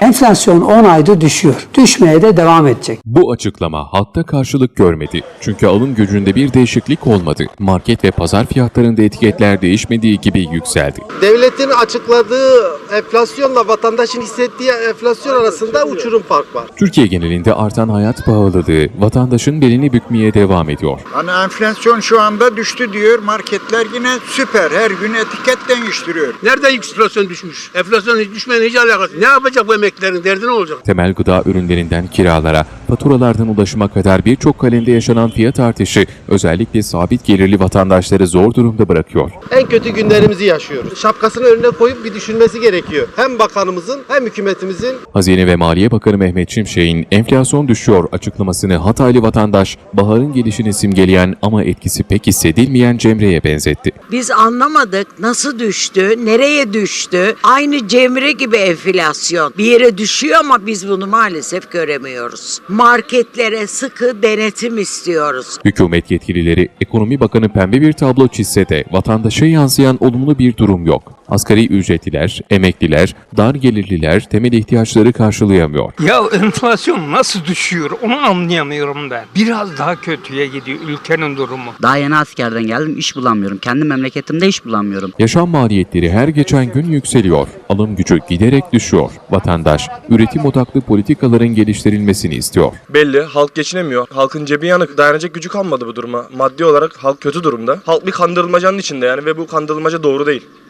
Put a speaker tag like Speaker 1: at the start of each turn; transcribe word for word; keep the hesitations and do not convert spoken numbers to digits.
Speaker 1: Enflasyon on ayda düşüyor. Düşmeye de devam edecek.
Speaker 2: Bu açıklama halkta karşılık görmedi. Çünkü alım gücünde bir değişiklik olmadı. Market ve pazar fiyatlarında etiketler değişmediği gibi yükseldi.
Speaker 3: Devletin açıkladığı enflasyonla vatandaşın hissettiği enflasyon arasında uçurum fark var.
Speaker 2: Türkiye genelinde artan hayat pahalılığı vatandaşın belini bükmeye devam ediyor.
Speaker 4: Hani enflasyon şu anda düştü diyor, marketler yine süper, her gün etiket değiştiriyor.
Speaker 5: Nerede enflasyon düşmüş? Enflasyon hiç düşmenin hiç alakası. Ne yapacak bu emeklilerin? Derdi ne olacak?
Speaker 2: Temel gıda ürünlerinden kiralara, faturalardan ulaşıma kadar birçok kalemde yaşanan fiyat artışı özellikle sabit gelirli vatandaşları zor durumda bırakıyor.
Speaker 3: En kötü günlerimizi yaşıyoruz. Şapkasını önüne koyup bir düşünmesi gerekiyor. Hem bakanımızın hem hükümetimizin.
Speaker 2: Hazine ve Maliye Bakanı Mehmet Şimşek'in enflasyon düşüyor açıklamasını Hataylı vatandaş baharın gelişini simgeleyen ama etkisi pek hissedilmeyen Cemre'ye benzetti.
Speaker 6: Biz anlamadık nasıl düştü, nereye düştü. Aynı Cemre gibi enflasyon. Bir yere düşüyor ama biz bunu maalesef göremiyoruz. Marketlere sıkı denetim istiyoruz.
Speaker 2: Hükümet yetkilileri Ekonomi Bakanı pembe bir tablo çizse de vatandaşa yansıyan olumlu bir durum yok. Asgari ücretliler, emekliler, dar gelirliler temel ihtiyaçları karşılayamıyor.
Speaker 7: Ya enflasyon nasıl düşüyor onu anlayamıyorum ben. Biraz daha kötüye gidiyor ülkenin durumu.
Speaker 8: Daha yeni askerden geldim, iş bulamıyorum. Kendi memleketimde iş bulamıyorum.
Speaker 2: Yaşam maliyetleri her geçen gün yükseliyor. Alım gücü giderek düşüyor. Vatandaş üretim odaklı politikaların geliştirilmesini istiyor.
Speaker 9: Belli, halk geçinemiyor. Halkın cebi yanık. Dayanacak gücü kalmadı bu duruma. Maddi olarak halk kötü durumda. Halk bir kandırılmacanın içinde yani ve bu kandırılmaca doğru değil.